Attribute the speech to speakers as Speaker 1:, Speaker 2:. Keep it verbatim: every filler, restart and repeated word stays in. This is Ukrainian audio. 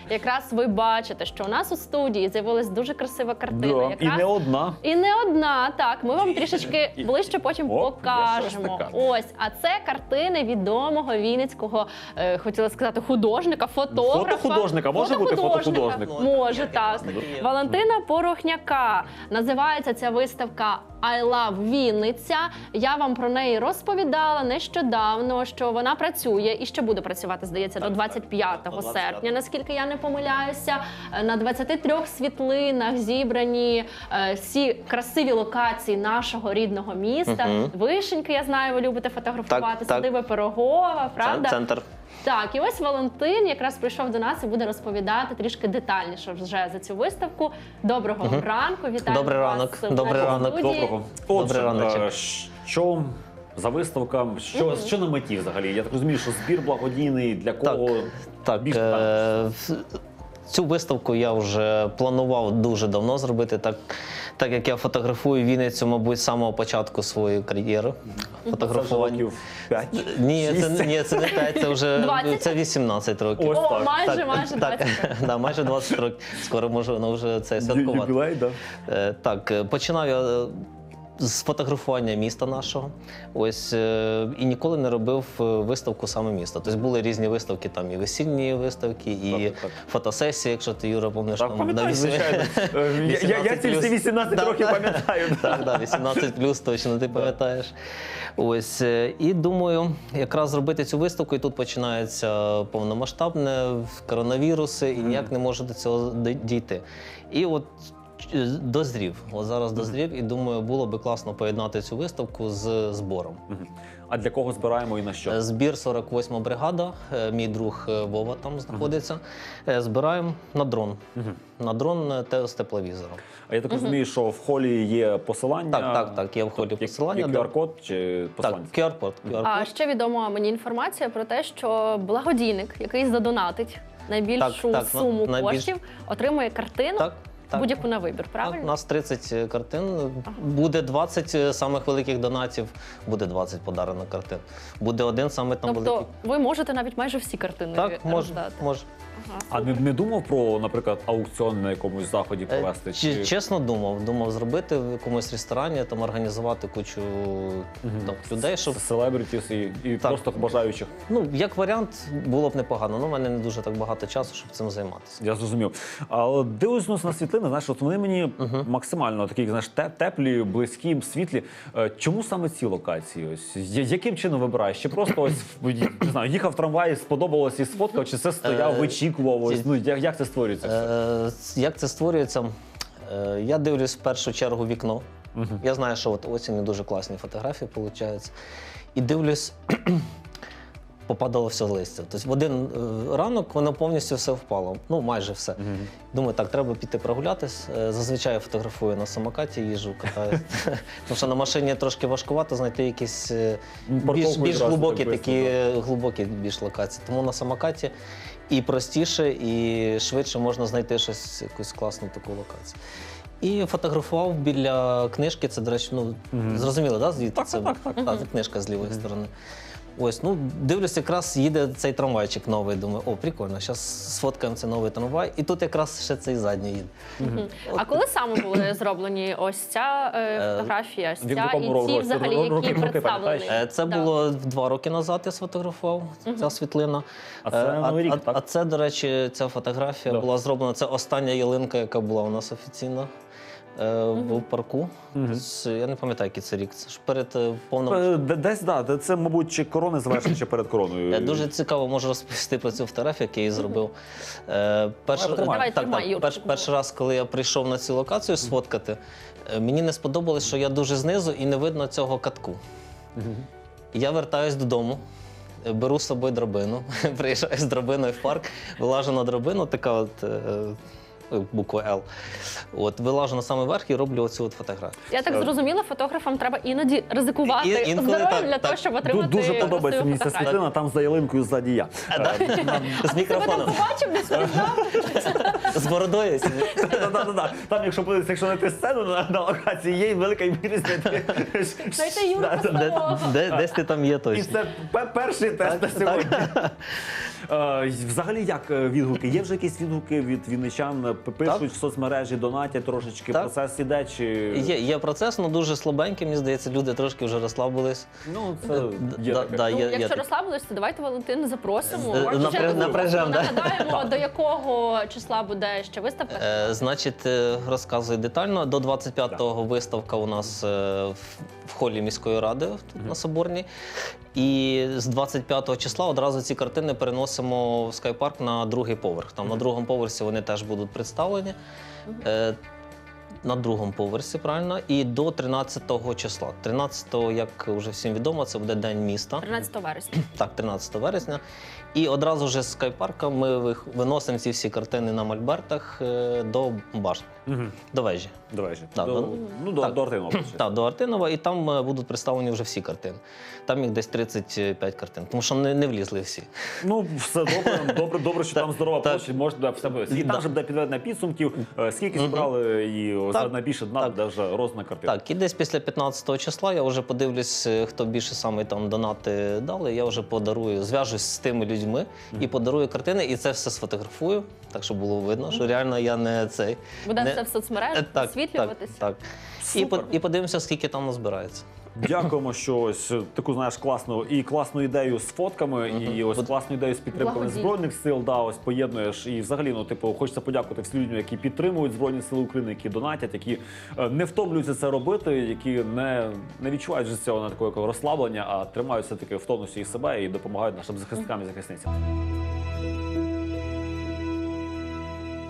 Speaker 1: якраз ви бачите, що у нас у студії з'явилась дуже красива картина.
Speaker 2: Да.
Speaker 1: Якраз...
Speaker 2: І не одна.
Speaker 1: І не одна, так. Ми вам трішечки ближче потім
Speaker 2: О,
Speaker 1: покажемо.
Speaker 2: таке.
Speaker 1: Ось, а це картини відомого вінницького, е, хотіла сказати, художника, фотографа.
Speaker 2: Фотохудожника, може бути фотохудожник?
Speaker 1: Може, так. Валентина Порохняка. Називається ця виставка «I love Вінниця». Я вам про неї розповідала нещодавно, що вона працює і ще буде працювати, здається, до двадцять п'ятого серпня, наскільки я не помиляюся. На двадцяти трьох світлинах зібрані е, всі красиві локації нашого рідного міста.
Speaker 3: Мгм.
Speaker 1: Вишеньки, я знаю, ви любите фотографувати,
Speaker 3: Так, так.
Speaker 1: Садиби Пирогова, правда?
Speaker 3: Центр.
Speaker 1: Так, і ось Валентин якраз прийшов до нас і буде розповідати трішки детальніше вже за цю виставку. Доброго
Speaker 3: Мгм.
Speaker 1: ранку, вітаю
Speaker 3: Добрий
Speaker 1: вас
Speaker 3: ранок,
Speaker 1: в
Speaker 3: добрий
Speaker 1: нашій
Speaker 3: ранок.
Speaker 1: студії.
Speaker 2: Доброго.
Speaker 3: Добрий
Speaker 2: Отже,
Speaker 3: раночок.
Speaker 2: е, що за виставка, що,
Speaker 1: Мгм.
Speaker 2: що на меті взагалі? Я так розумію, що збір благодійний, для кого?
Speaker 3: Так,
Speaker 2: більш
Speaker 3: е,
Speaker 2: детально?
Speaker 3: в- цю виставку я вже планував дуже давно зробити, так, так як я фотографую Вінницю, мабуть, з самого початку своєї кар'єри фотографування.
Speaker 2: Років п'ять?
Speaker 3: Ні, це,
Speaker 2: шість?
Speaker 3: ні, це не п'ять, це вже
Speaker 1: двадцять?
Speaker 3: це вісімнадцять років.
Speaker 2: Ось
Speaker 1: О,
Speaker 2: так.
Speaker 1: майже,
Speaker 3: Так,
Speaker 1: майже
Speaker 3: так,
Speaker 1: двадцять років.
Speaker 3: да, майже двадцять років. Скоро можу ну, вже це святкувати.
Speaker 2: Юбілей, да.
Speaker 3: Е, Так, е, починав я е, з фотографування міста нашого. Ось е, і ніколи не робив е, виставку саме міста. Тобто були різні виставки, там і весільні виставки, і
Speaker 2: Так, так, так.
Speaker 3: фотосесії, якщо ти, Юра, пам'ятаєш,
Speaker 2: Так,
Speaker 3: там
Speaker 2: пам'ятаю,
Speaker 3: вісім-
Speaker 2: звичайно. Е, я- Я я ці всі вісімнадцять
Speaker 3: Да,
Speaker 2: років
Speaker 3: да.
Speaker 2: пам'ятаю. да.
Speaker 3: Так, да, вісімнадцять плюс точно ти пам'ятаєш. Ось е, і думаю, якраз зробити цю виставку, і тут починається повномасштабне коронавіруси, і ніяк не можу до цього д- дійти. І от е, дозрів. От зараз дозрів, і думаю, було би класно поєднати цю виставку з збором.
Speaker 2: Мгм. А для кого збираємо і на що?
Speaker 3: Е, Збір сорок восьма бригада, е, мій друг е, Вова там знаходиться. Е, Збираємо на дрон.
Speaker 2: Мгм.
Speaker 3: На дрон е, те- з тепловізором.
Speaker 2: А я так розумію, що в холі є посилання?
Speaker 3: Так, так, так, є в холі
Speaker 2: Тобто, як-
Speaker 3: посилання,
Speaker 2: Як
Speaker 3: де-
Speaker 2: ку ар-код чи
Speaker 3: Так,
Speaker 2: посилання?
Speaker 3: ку ар-код. ку ар-код.
Speaker 1: А ще відома мені інформація про те, що благодійник, який задонатить найбільшу
Speaker 3: Так, так, на-
Speaker 1: суму
Speaker 3: найбільш-
Speaker 1: коштів, отримує картину
Speaker 3: Так, так.
Speaker 1: будь-яку на вибір,
Speaker 3: Так,
Speaker 1: правильно?
Speaker 3: у нас тридцять картин, буде двадцять самих великих донатів, буде двадцять подарено картин. Буде один саме там
Speaker 1: Тобто
Speaker 3: великий.
Speaker 1: ви можете навіть майже всі картини
Speaker 3: Так, може,
Speaker 1: роздати.
Speaker 3: може.
Speaker 1: Ага.
Speaker 2: А не, не думав про, наприклад, аукціон на якомусь заході
Speaker 3: Е,
Speaker 2: провести?
Speaker 3: чи- Чесно думав, думав зробити в якомусь ресторані, там організувати кучу там, людей, щоб
Speaker 2: Селебритіс і, і
Speaker 3: Так.
Speaker 2: просто бажаючих.
Speaker 3: ну як варіант було б непогано. Ну, в мене не дуже так багато часу, щоб цим займатися.
Speaker 2: Я зрозумів. Але дивлюсь на світлини, знаєш, от вони мені максимально такі, знаєш, те- теплі, близькі, світлі. Е, Чому саме ці локації? Ось Я- яким чином вибираєш? Чи просто ось не знаю, їхав в трамваї, сподобалось і сфоткав, чи це стояв,
Speaker 3: Е,
Speaker 2: вичікував? Ось
Speaker 3: ці-
Speaker 2: ну як, як це створюється? все?
Speaker 3: Е, Як це створюється? Е, Я дивлюсь в першу чергу вікно. Я знаю, що от осінню дуже класні фотографії виходять. І дивлюсь, попадало все листя. Тобто в один е, ранок воно повністю все впало. Ну, майже все. Думаю, так, треба піти прогулятись. Е, Зазвичай я фотографую на самокаті, їжджу, катаю. Тому що на машині трошки важкувато знайти якісь е, більш,
Speaker 2: Парковку
Speaker 3: більш
Speaker 2: відразу
Speaker 3: глибокі
Speaker 2: так
Speaker 3: такі
Speaker 2: швидко,
Speaker 3: е, глибокі більш локації. Тому на самокаті і простіше, і швидше можна знайти щось, якусь класну таку локацію. І фотографував біля книжки, це, до речі, ну, зрозуміло, да, звідти
Speaker 2: Так,
Speaker 3: це
Speaker 2: так, так,
Speaker 3: Та, це книжка з лівої сторони. Ось, ну, дивлюсь, якраз їде цей трамвайчик новий, думаю, о, прикольно, зараз сфоткаємо цей новий трамвай, і тут якраз ще цей задній їде.
Speaker 1: Мгм. А коли саме були зроблені ось ця е, фотографія, ось
Speaker 2: в
Speaker 1: ця
Speaker 2: якому
Speaker 1: і ці
Speaker 2: році?
Speaker 1: взагалі,
Speaker 2: Роки-
Speaker 1: які
Speaker 2: роки
Speaker 1: представлені?
Speaker 2: пам'ятаєш?
Speaker 3: Е, Це
Speaker 1: Да.
Speaker 3: було два роки назад, я сфотографував ця світлина.
Speaker 2: А це
Speaker 3: Е,
Speaker 2: Новий рік,
Speaker 3: а,
Speaker 2: так?
Speaker 3: а це, до речі, ця фотографія
Speaker 2: Да.
Speaker 3: була зроблена, це остання ялинка, яка була у нас офіційно. е, В парку. З- Я не пам'ятаю, який це рік. Це ж перед е, повним.
Speaker 2: Е, де- Десь, да, де- це, мабуть, чи корони завершені, чи перед короною.
Speaker 3: Е, Дуже цікаво можу розповісти про цю фотографію, яку я її зробив. Е, перший,
Speaker 2: Давай, тримай.
Speaker 1: Давай,
Speaker 3: так,
Speaker 1: тримай,
Speaker 3: так,
Speaker 1: Юрчик.
Speaker 3: перш, перший раз, коли я прийшов на цю локацію сфоткати, е, мені не сподобалось, що я дуже знизу і не видно цього катку. Я вертаюсь додому, е, беру з собою драбину, приїжджаю з драбиною в парк, вилажу на драбину, така от е, е, буква Л. От, вилажу на самий верх і роблю оцю от фотографію.
Speaker 1: Я так зрозуміла, фотографам треба іноді ризикувати
Speaker 3: І- інколи
Speaker 1: здоров'ям
Speaker 3: так,
Speaker 1: для
Speaker 3: так.
Speaker 1: того, щоб
Speaker 2: Ду-
Speaker 1: отримати
Speaker 2: Дуже подобається
Speaker 1: красиву
Speaker 2: мені ця
Speaker 1: фотографію.
Speaker 2: світлина, там за ялинкою ззаді я.
Speaker 3: З
Speaker 1: Тебе там
Speaker 3: мікрофоном.
Speaker 1: побачив, десь впізнав?
Speaker 3: З бородою.
Speaker 2: Да-да-да. Там, якщо подивитися, якщо знайти сцену на, на локації, є велика ймовірність.
Speaker 1: Знайти Юру
Speaker 3: Де-
Speaker 1: Костолова.
Speaker 3: де- Десь ти там є
Speaker 2: І
Speaker 3: точно.
Speaker 2: це пе- перший тест на сьогодні. Е, Взагалі, як е, відгуки? Є вже якісь відгуки від вінничан? П- Пишуть
Speaker 3: Так.
Speaker 2: в соцмережі, донатять трошечки,
Speaker 3: Так.
Speaker 2: процес іде чи...
Speaker 3: Є, є процес, але дуже слабенький, мені здається, люди трошки вже розслабились.
Speaker 2: Ну, це є
Speaker 3: Да-
Speaker 2: таке.
Speaker 3: да,
Speaker 1: Ну,
Speaker 3: є- є
Speaker 1: якщо
Speaker 3: таке.
Speaker 1: розслабились, то давайте Валентину запросимо.
Speaker 3: Е,
Speaker 1: Ще
Speaker 3: напря-
Speaker 1: таку
Speaker 3: напряжем, да?
Speaker 1: нагадаємо, до якого числа буде ще виставка.
Speaker 3: Е, значить, е, розказую детально. До двадцять п'ятого виставка у нас е, в, в холі міської ради тут на Соборній. І з двадцять п'ятого числа одразу ці картини переносимо в скайпарк на другий поверх. Там на другому поверсі вони теж будуть представлені. Е, на другому поверсі, правильно, і до тринадцятого числа. тринадцятого, як вже всім відомо, це буде День міста.
Speaker 1: тринадцятого вересня.
Speaker 3: Так, тринадцятого вересня. І одразу вже з скайпарка ми вих- виносимо ці всі картини на мольбертах е, до башні,
Speaker 2: Мгм.
Speaker 3: до вежі.
Speaker 2: Давай же.
Speaker 3: Да,
Speaker 2: До,
Speaker 3: до-
Speaker 2: ну, до,
Speaker 3: так.
Speaker 2: до Артинова.
Speaker 3: Так, до Артинова, і там е, будуть представлені вже всі картини. Там їх десь тридцять п'ять картин, тому що не, не влізли всі.
Speaker 2: Ну, все добре, добре, добре, що там здорова
Speaker 3: так.
Speaker 2: площа, можна все буде. І
Speaker 3: Да.
Speaker 2: там вже буде підведення підсумків, е, скільки зібрали, і
Speaker 3: Так.
Speaker 2: за найбільше дна
Speaker 3: Так.
Speaker 2: буде вже роздана картина.
Speaker 3: Так, і десь після п'ятнадцятого числа я вже подивлюсь, е, хто більше саме там донати дали. Я вже подарую, зв'яжусь з тими людьми і подарую картини, і це все сфотографую, так щоб було видно, що реально я не цей.
Speaker 1: Буде
Speaker 3: не-
Speaker 1: все в соцмережах
Speaker 3: Е, так,
Speaker 1: висвітлюватись.
Speaker 3: Так, так. І, по-
Speaker 2: Супер.
Speaker 3: і подивимося, скільки там назбирається.
Speaker 2: Дякуємо, що ось таку знаєш класну і класну ідею з фотками, і ось
Speaker 3: От-
Speaker 2: класну ідею з підтримкою
Speaker 1: Благодійно.
Speaker 2: збройних сил. Да, ось поєднуєш. І взагалі, ну типу, хочеться подякувати всім людям, які підтримують Збройні Сили України, які донатять, які е, не втомлюються це робити, які не, не відчувають вже цього на такого розслаблення, а тримаються таки в тонусі і себе і допомагають нашим захисникам і захисницям.